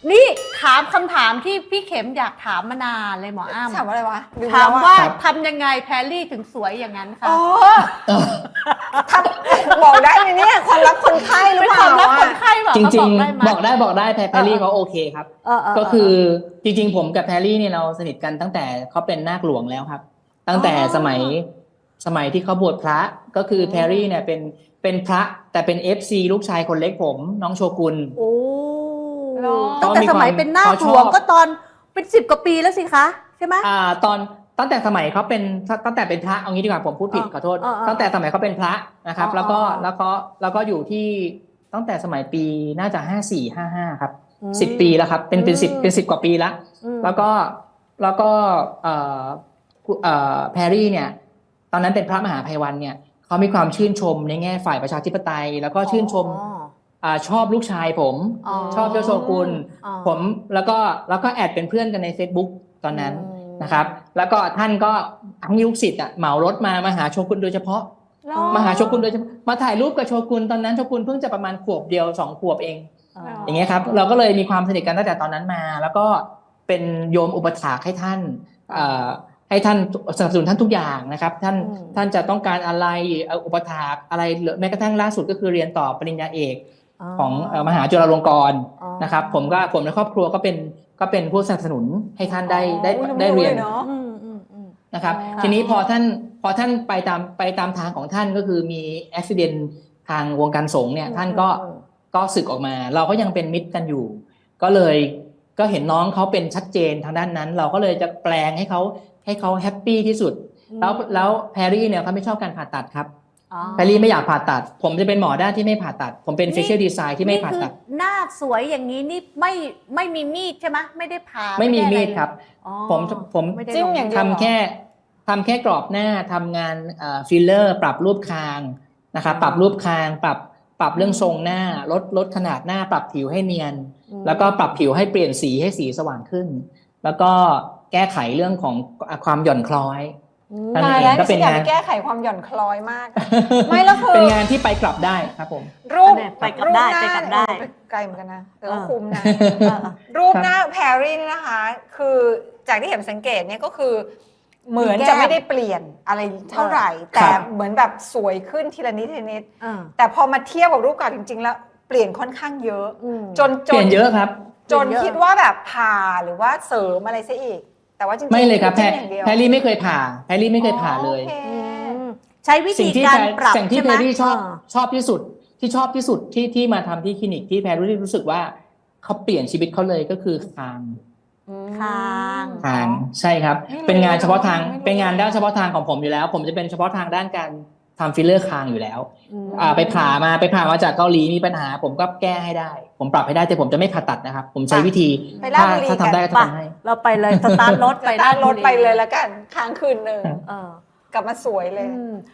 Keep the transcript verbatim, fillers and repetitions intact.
นี่ถามคำถามที่พี่เข็มอยากถามมานานเลยหมออ้ำถามว่าอะไรวะถามว่าทำยังไงแพรรี่ถึงสวยอย่างนั้นคะอ๋อทำบอกได้ไหมเนี่ยความลับคนไข้หรือเป็นเปคล่าวามลับคนอะไข้แบบจริงเขาบอกได้ไหมๆ บอกได้บอกได้แพรแพรรี่เขาโอเคครับเออเออก็คือจริงๆผมกับแพรรี่เนี่ยเราสนิทกันตั้งแต่เขาเป็นนาคหลวงแล้วครับ ตั้งแต่สมัยสมัยที่เขาบวชพระก็คือแพรรี่เนี่ยเป็นเป็นพระแต่เป็น เอฟ ซี ลูกชายคนเล็กผมน้องโชกุนโอ้เหรอตั้งแต่สมัยเป็นหน้าหลวงก็ตอนเป็นสิบกว่าปีแล้วสิคะใช่ไหมอ่าตอนตั้งแต่สมัยเขาเป็นตั้งแต่เป็นพระเอางี้ดีกว่าผมพูดผิดอ่าขอโทษอ่าอ่าตั้งแต่สมัยเขาเป็นพระนะครับอ่าแล้วก็อ่าแล้วก็แล้วก็อยู่ที่ตั้งแต่สมัยปีน่าจะห้าสี่ห้าห้าครับสิบปีแล้วครับเป็นเป็นสิบเป็นสิบกว่าปีละอืมแล้วก็แล้วก็เอ่อเอ่อแพรรี่เนี่ยตอนนั้นเป็นพระมหาภัยวันเนี่ยเขามีความชื่นชมในแง่ฝ่ายประชาธิปไตย แล้วก็ชื่นชมอ๋ออ่าชอบลูกชายผมอ๋อชอบเจ้าโชกุนอ๋อผมแล้วก็แล้วก็แอดเป็นเพื่อนกันใน Facebook ตอนนั้นอืมนะครับ แล้วก็ท่านก็ทั้งลูกศิษย์อ่ะเหมารถมามาหาโชกุนโดยเฉพาะเหรอมาหาโชกุนโดยเฉพาะมาถ่ายรูปกับโชกุนตอนนั้นโชกุนเพิ่งจะประมาณขวบเดียวสองขวบเองอ๋ออย่างเงี้ยครับเราก็เลยมีความสนิทกันตั้งแต่ตอนนั้นมา แล้วก็เป็นโยมอุปถากให้ท่านเอ่อให้ท่านสนับสนุนท่านทุกอย่างนะครับท่านอืมท่านจะต้องการอะไรเอ่ออุปถากอะไรหรือแม้กระทั่งล่าสุดก็คือเรียนต่อปริญญาเอกของเอ่อมหาจุฬาลงกรณ์อ๋อนะครับผมก็ผมในครอบครัวก็เป็นก็เป็นผู้สนับสนุนให้ท่านได้ได้โอ้ยังได้ไม่เรียนลเนาะอืมอืมอืมนะครับอ๋อทีนี้พอท่านพอท่านไปตามไปตามทางของท่านก็คือมีอุบิเหตุทางวงการสงฆ์เนี่ยท่านก็อืมก็สึกออกมา เราก็ยังเป็นมิตรกันอยู่ ก็เลยก็เห็นน้องเขาเป็นชัดเจนทางด้านนั้น เราก็เลยจะแปลงให้เขาให้เขาแฮปปี้ที่สุด แล้วแล้วแพรรี่เนี่ยเขาไม่ชอบการผ่าตัดครับอ๋อแพรรี่ไม่อยากผ่าตัด ผมจะเป็นหมอด้านที่ไม่ผ่าตัด ผมเป็น facial design ที่ไม่ผ่าตัดนี่คือหน้าสวยอย่างนี้นี่ไม่ไม่มีมีดใช่ไหมไม่ได้ผ่าไม่มีด้อะมีไรดครับอ๋อผมผมไได้จิ้มอย่างเดียวทำแค่ทำแค่กรอบหน้าทำงานฟิลเลอร์ปรับรูปคางนะครับปรับรูปคางปรับปรับเรื่องทรงหน้าลดลดขนาดหน้าปรับผิวให้เนียนอืมแล้วก็ปรับผิวให้เปลี่ยนสีให้สีสว่างขึ้น แล้วก็แก้ไขเรื่องของความหย่อนคล้อยอืมนั่นตายเองแล้วก็นี่เป็ฉันนอยากงานไปแก้ไขความหย่อนคล้อยมาก ไม่แล้วคือเป็นงานที่ไปกลับได้ครับผมรูปเนี่ยไปกลับได้รูหน้าไปกลับได้เออไปไกลเหมือนกันนะแต่ว่าเออคุ้มนะเออรูปหน้าแพรรี่นี่นะคะ คือจากที่เห็นสังเกตเนี่ยก็คือ เหมือนจะไม่ได้เปลี่ยนอะไรเท่าไหร่ แต่เหมือนแบบสวยขึ้นทีละนิดทีละนิดอ่าแต่พอมาเทียบกับรูปเก่าจริง ๆ แล้วเปลี่ยนค่อนข้างเยอะอืมจนเปจลี่นยนเยอะครับจนคิดว่าแบบผ่าหรือว่าเสริมอะไรซะอีก แต่ว่าจริงๆไม่เลยครับแพรจิ้มอย่างเดียวแพรรี่ไม่เคยผ่าแพรรี่ไม่เคยผ่าเลยโอคอืมใช้วิสิ่ธีงที่การแพรปรับสิ่งที่ใช่แพไหมรรี่ชอบาชอบที่สุดที่ชอบที่สุดที่ที่มาทำที่คลินิกที่แพรรี่รู้สึกว่าเขาเปลี่ยนชีวิตเขาเลยก็คือคางคางทางใช่ครับไม่รู้เป็นงานเฉพาะทางไม่รู้เป็นงานด้านเฉพาะทางของผมอยู่แล้ว ผมจะเป็นเฉพาะทางด้านการทำฟิลเลอร์คางอยู่แล้วอืมอ่าไปผ่ามาไปผ่ามาจากเกาหลีมีปัญหา ผมก็แก้ให้ได้ ผมปรับให้ได้แต่ผมจะไม่ผ่าตัดนะครับ ผมใช้วิธีไปราชถ้าบุรีถ้าทำได้กันก็จะทำให้เราไปเลยสตาร์ทรถไปไปตั้งรถบุไปเลยแล้วกันค้างคืนหนึ่งเออกลับมาสวยเลยอืม